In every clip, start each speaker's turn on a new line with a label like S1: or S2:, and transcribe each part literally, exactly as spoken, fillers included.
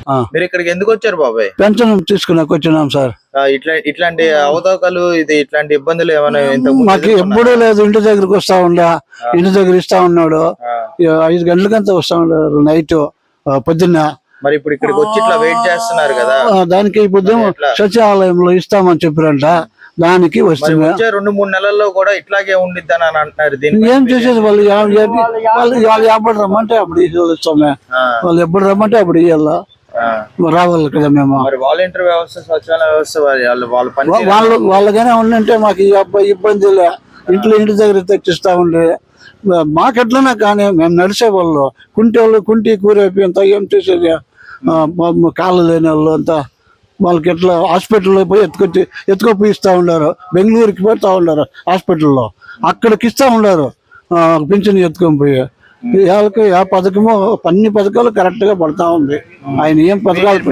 S1: మీరు ఇక్కడికి ఎందుకు వచ్చారు బాబాయ్?
S2: పెన్షన్ తీసుకున్నాక వచ్చినాం సార్.
S1: ఇట్లా ఇట్లాంటి అవతాకాలు ఇది ఇట్లాంటి ఇబ్బందులు ఏమైనా
S2: మాకు ఎప్పుడూ లేదు. ఇంటి దగ్గరకు వస్తా ఉండా, ఇంటి దగ్గర ఇస్తా ఉన్నాడు. ఐదు గంటలకంతా వస్తా ఉన్నాడు నైట్ పొద్దున్న.
S1: మరి ఇప్పుడు ఇక్కడికి వచ్చి ఇట్లా వెయిట్ చేస్తున్నారు కదా,
S2: దానికి ఇప్పుడు సచివాలయంలో ఇస్తామని చెప్పారంట. దానికి వస్తుంది.
S1: రెండు మూడు నెలల్లో కూడా ఇట్లాగే ఉండిద్దని అని అంటున్నారు. దీన్ని
S2: ఏం చేసేది వాళ్ళు వాళ్ళు వాళ్ళు ఎప్పుడు రమ్మంటే అప్పుడు ఇస్తామే. వాళ్ళు ఎప్పుడు రమ్మంటే అప్పుడు ఇవ్వాలా రావాలి కదా మేము.
S1: మరి వాలంటీర్ వ్యవస్థ సచివాలయ వ్యవస్థ వాళ్ళు వాళ్ళ పని
S2: వాళ్ళు వాళ్ళకైనా ఉండంటే మాకు ఈ అబ్బాయి ఇబ్బంది లే. ఇంట్లో ఇంటి దగ్గర తెచ్చిస్తా ఉండే మాకెట్లనా కానీ మేము నడిచే వాళ్ళు కుంటి వాళ్ళు కుంటి కూరైపోయి అంతా ఏం చేసేది. కాళ్ళు లేని వాళ్ళు అంతా వాళ్ళకి ఎట్లా హాస్పిటల్లో పోయి ఎత్తుకొచ్చి ఎత్తుకొని ఇస్తా ఉన్నారు. బెంగళూరుకి పోతా ఉన్నారు హాస్పిటల్లో, అక్కడికి ఇస్తా ఉన్నారు పింఛన్ ఎత్తుకొని పోయి. వాళ్ళకి ఆ పథకము అన్ని పథకాలు కరెక్ట్ గా పడతా ఉంది. ఆయన ఏం పథకాలు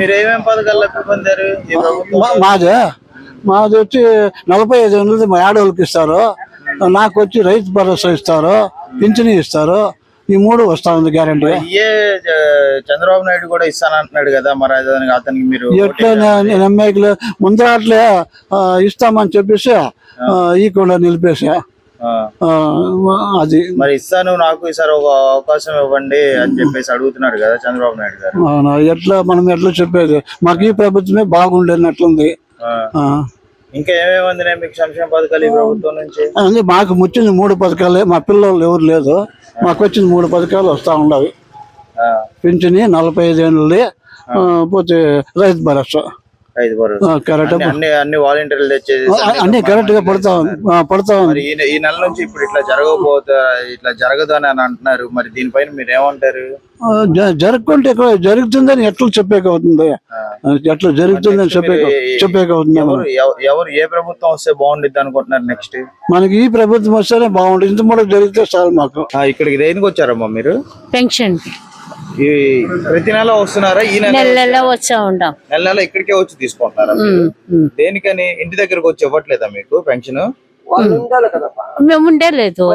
S2: మాదే మాది వచ్చి నలభై ఐదు వందలది మా ఆడవాళ్ళకి ఇస్తారు. నాకు వచ్చి రైతు భరోసా ఇస్తారు, పింఛన్ ఇస్తారు. ఈ మూడు వస్తా ఉంది గ్యారంటీ.
S1: చంద్రబాబు నాయుడు కూడా ఇస్తానంటున్నాడు కదా, మరి అతనికి మీరు
S2: ఎట్లా నమ్మేకలే ముందర అట్లే ఇస్తామని చెప్పేసి ఈ కూడా నిలిపేసి అది
S1: మరి ఇస్తాను నాకు ఈసారి ఒక అవకాశం ఇవ్వండి అని చెప్పేసి అడుగుతున్నాడు కదా చంద్రబాబు నాయుడు గారు.
S2: అవునా, ఎట్లా మనం ఎట్లా చెప్పేది? మాకు ఈ ప్రభుత్వమే బాగుండేనట్లుంది.
S1: ఇంకా ఏమేమి అందినాయి మీకు సంక్షేమ పథకాలు ఈ ప్రభుత్వం నుంచి?
S2: అదే మాకు వచ్చింది మూడు పథకాలే. మా పిల్లలు ఎవరు లేదు, మాకు వచ్చింది మూడు పథకాలు వస్తా ఉండవి. పింఛని నలభై ఐదు ఏళ్ళది, పోతే రైతు భరోసా కరెక్ట్
S1: అన్ని వాలంటీర్లు తెచ్చేది
S2: అన్ని కరెక్ట్ గా పడతా పడతా ఉంది.
S1: ఈ నెల నుంచి ఇప్పుడు ఇట్లా జరగబోతా ఇట్లా జరగదు అని అంటున్నారు. మరి దీనిపైన మీరు ఏమంటారు?
S2: జరగకుంటే జరుగుతుందని ఎట్లా చెప్పేక అవుతుంది? ఎట్లా జరుగుతుందని చెప్పే చెప్పేక అవుతుంది.
S1: ఎవరు ఏ ప్రభుత్వం వస్తే బాగుండిద్ది అనుకుంటున్నారు నెక్స్ట్?
S2: మనకి ఈ ప్రభుత్వం వస్తేనే బాగుంటుంది. ఇంత మూడు జరిగితే చాలు మాకు.
S1: ఇక్కడికి దేనికి వచ్చారమ్మా మీరు?
S3: పెన్షన్
S1: ప్రతి నెల వస్తున్నారా? ఈ నెల
S3: నెల వచ్చా ఉంటాం.
S1: నెల నెల ఇక్కడికే వచ్చి తీసుకుంటున్నారా? దేనికని ఇంటి దగ్గరకు వచ్చి ఇవ్వట్లేదా మీకు పెన్షన్?
S3: మేము ఉండలేదు,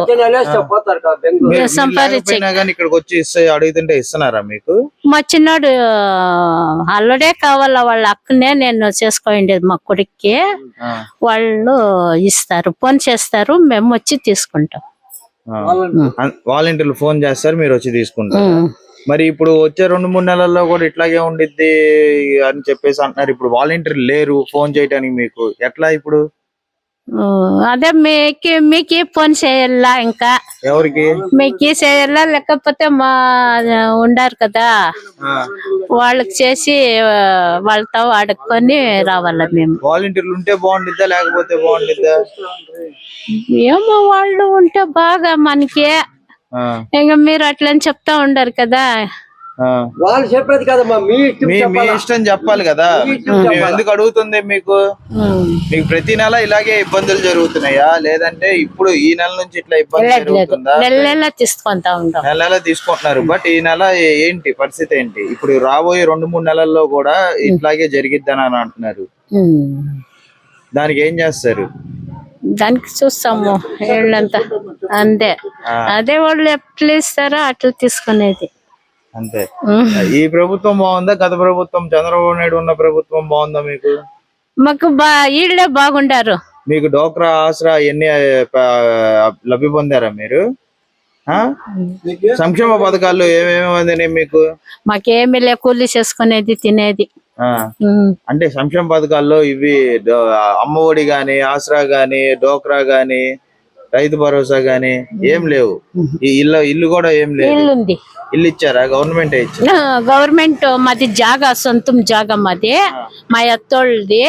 S1: ఇక్కడికి వచ్చి ఇస్తే అడుగుతుంటే ఇస్తున్నారా మీకు?
S3: మా చిన్నాడు అల్లడే కావాలా, వాళ్ళ అక్కనే నేను చేసుకోండేది మా కొడుక్కి. వాళ్ళు ఇస్తారు, ఫోన్ చేస్తారు, మేము వచ్చి తీసుకుంటాం.
S1: వాలంటీర్లు ఫోన్ చేస్తారు, మీరు వచ్చి తీసుకుంటారు. మరి ఇప్పుడు వచ్చే రెండు మూడు నెలల్లో కూడా ఇట్లాగే ఉండిద్ది అని చెప్పేసి అంటున్నారు. ఇప్పుడు వాలంటీర్లు లేరు ఫోన్ చేయడానికి, మీకు ఎట్లా ఇప్పుడు?
S3: అదే మీకు మీకు ఫోన్ చేయాలా? ఇంకా
S1: ఎవరికి
S3: మీకు చేయాలా? లేకపోతే మా ఉండారు కదా వాళ్ళకి చేసి వాళ్ళతో అడుక్కొని రావాలా మేము.
S1: వాలంటీర్లు ఉంటే బాగుండిద్దా లేకపోతే బాగుండిద్దా?
S3: ఏమో వాళ్ళు ఉంటే బాగా మనకి. ఇంకా మీరు అట్లని చెప్తా ఉండరు కదా.
S2: వాళ్ళు చెప్పేది కదమ్మా, మీ
S1: ఇష్టం చెప్పాలి కదా. మేము ఎందుకు అడుగుతుంది మీకు? మీకు ప్రతి నెల ఇలాగే ఇబ్బందులు జరుగుతున్నాయా, లేదంటే ఇప్పుడు ఈ నెల నుంచి ఇట్లా ఇబ్బంది జరుగుతుందా?
S3: నెల నెల తీసుకుంటా ఉంటాం.
S1: నెల నెల తీసుకుంటున్నారు. బట్ ఈ నెల ఏంటి పరిస్థితి ఏంటి? ఇప్పుడు రాబోయే రెండు మూడు నెలల్లో కూడా ఇట్లాగే జరిగిద్దని అని అంటున్నారు. దానికి ఏం చేస్తారు?
S3: దానికి చూస్తాము ఏళ్ళంతా అంతే. అదే వాళ్ళు ఎట్లా ఇస్తారో అట్లా తీసుకునేది
S1: అంతే. ఈ ప్రభుత్వం బాగుందా గత ప్రభుత్వం చంద్రబాబు నాయుడు ఉన్న ప్రభుత్వం బాగుందా మీకు?
S3: మాకు బా ఈళ్ళే బాగుండారు.
S1: మీకు డోక్రా ఆసరా ఎన్ని లబ్ధి పొందారా మీరు? సంక్షేమ పథకాల్లో ఏమేమి అందినాయి మీకు?
S3: మాకేమీ లే, కూలీ చేసుకునేది తినేది.
S1: అంటే సంక్షేమ పథకాల్లో ఇవి అమ్మఒడి గాని, ఆసరా గాని, డోక్రా గాని, రైతు భరోసా గాని ఏం లేవు. ఈ ఇల్లు ఇల్లు కూడా ఏం లేదు.
S3: ఇల్లుంది.
S1: ఇల్లు ఇచ్చారా? గవర్నమెంట్ ఇచ్చారా?
S3: గవర్నమెంట్ మాది జాగా, సొంతం జాగా మాది, మా అత్తోళ్ళది.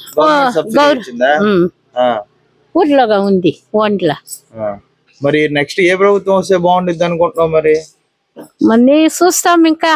S3: ఊర్లోగా ఉంది ఓన్లా.
S1: మరి నెక్స్ట్ ఏ ప్రభుత్వం వస్తే బాగుండిద్ది అనుకుంటున్నావు? మరి
S3: మరి చూస్తాం. ఇంకా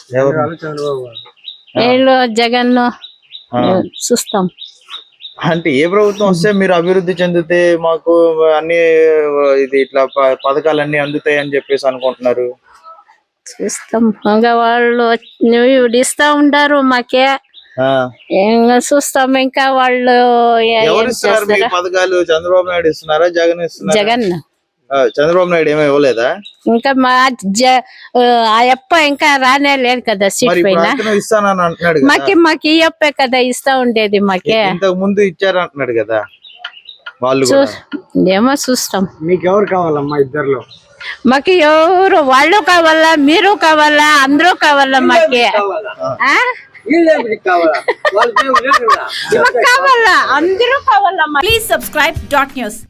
S3: ఏళ్ళు జగన్ చూస్తాం.
S1: అంటే ఏ ప్రభుత్వం వస్తే మీరు అభివృద్ధి చెందితే మాకు అన్ని ఇది ఇట్లా పథకాలన్నీ అందుతాయి అని చెప్పేసి అనుకుంటున్నారు?
S3: చూస్తాం. ఇంకా వాళ్ళు ఇస్తా ఉంటారు మాకే, చూస్తాం. ఇంకా వాళ్ళు
S1: పథకాలు చంద్రబాబు నాయుడు ఇస్తున్నారా జగన్ ఇస్తున్నారా?
S3: జగన్
S1: ఆ, చంద్రబాబు నాయుడు ఏమీ ఇవ్వలేదా?
S3: ఇంకా మా జ- ఆ అప్ప ఇంకా రానే లేదు కదా సీట్
S1: మరి ఇప్పుడు
S3: పైన.
S1: అతను ఇస్తానని అంటున్నాడు కదా.
S3: మాకి మాకి ఈ అప్పే కదా ఇస్తా ఉండేది మాకే.
S1: ఇంతకు ముందు ఇచ్చారు అంటున్నాడు కదా వాళ్ళు
S3: చూ
S1: కూడా.
S3: ఏమో చూస్తాం.
S4: మీకు ఎవరు కావాలమ్మా ఇద్దర్లో?
S3: మాకు ఎవరు వాళ్ళు కావాలా, మీరు కావాలా, అందరూ కావాలా మాకే. ఆ?
S4: వీళ్ళేమిటి కావాలా? వాళ్ళకేం లేదు కదా.
S3: మాకు కావాలా, అందరూ కావాలా మాకు.
S5: Please subscribe dot news.